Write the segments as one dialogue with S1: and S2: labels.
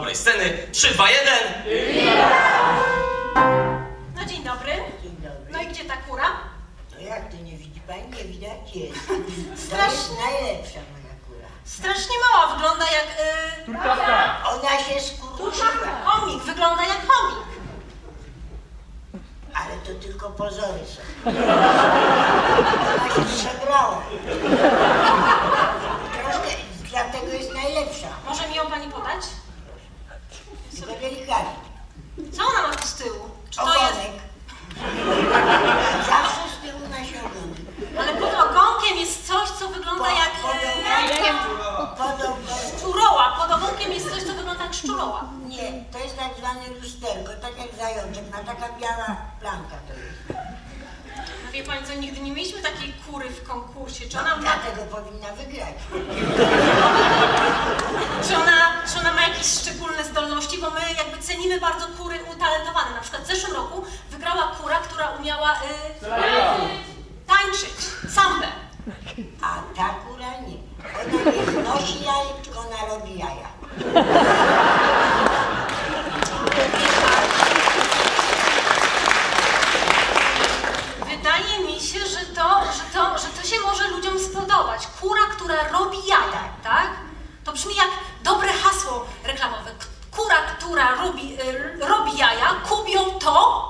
S1: dobrej sceny. 3, 2, 1.
S2: No dzień dobry.
S3: Dzień dobry.
S2: No i gdzie ta kura?
S3: No jak to nie widzi pani? Nie widać jest. To
S2: Strasznie.
S3: jest najlepsza moja kura.
S2: Strasznie mała, wygląda jak...
S3: Ona się skurczyła,
S2: Chomik, wygląda jak chomik.
S3: ale to tylko pozory są. Ona się przebrała. Troszkę, dlatego jest najlepsza.
S2: Może mi ją pani podać?
S3: Tylko delikatnie.
S2: Co ona ma tu z tyłu? Czy to jest...
S3: Ogonek. Zawsze z tyłu nosi ogonek.
S2: Ale pod ogonkiem jest coś, co wygląda jak... Szczuroła. Pod ogonkiem jest coś, co wygląda jak szczuroła.
S3: Nie, to jest tak zwane lusterko, tak jak zajączek, ma taka biała plamka to jest.
S2: No wie pani co, nigdy nie mieliśmy takiej kury w konkursie. Czy ona ma,
S3: Dlatego powinna wygrać.
S2: czy ona ma jakieś szczególne zdolności? Bo my jakby cenimy bardzo kury utalentowane. Na przykład w zeszłym roku wygrała kura, która umiała tańczyć, sambę.
S3: A ta kura nie. Ona nie wnosi jajek, tylko ona robi jaja.
S2: Wydaje mi się, że to się może ludziom spodobać. Kura, która robi jaja, tak? To brzmi jak dobre hasło reklamowe. Kura, która robi jaja, kubią to...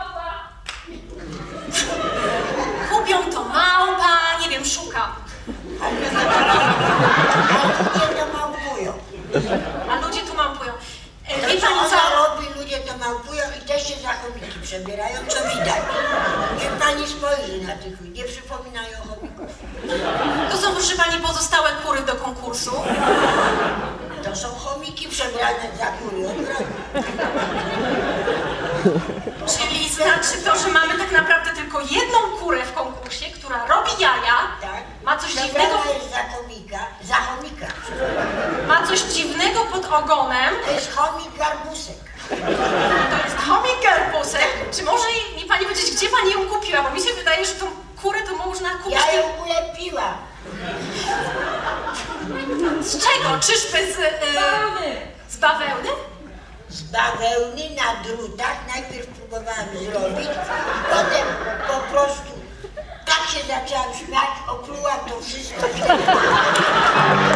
S2: Kubią to małpa, nie wiem, szukam.
S3: Ale ludzie to małpują.
S2: A ludzie tu małpują.
S3: To,
S2: Wie
S3: co
S2: pani co?
S3: ona robi, ludzie to małpują i też się za chomiki przebierają, co widać. Niech pani spojrzy na tych ludzi, nie przypominają chomików.
S2: To są, proszę pani, pozostałe kury do konkursu.
S3: To są chomiki przebrane za kury od razu.
S2: Czyli znaczy to, że mamy tak naprawdę tylko jedną kurę w konkursie, która robi jaja,
S3: Tak?
S2: ma coś dziwnego,
S3: Przebrana jest za chomika.
S2: ma coś dziwnego pod ogonem.
S3: To jest chomik garbusek.
S2: To jest chomik garbusek. Czy może mi pani powiedzieć, gdzie pani ją kupiła? Bo mi się wydaje, że tą kurę to można kupić...
S3: Ja ją ulepiłam.
S2: Z czego? Czyżby z... z bawełny?
S3: Z bawełny na drutach. Najpierw próbowałam zrobić, potem po prostu tak się zaczęłam śmiać, oplułam to wszystko.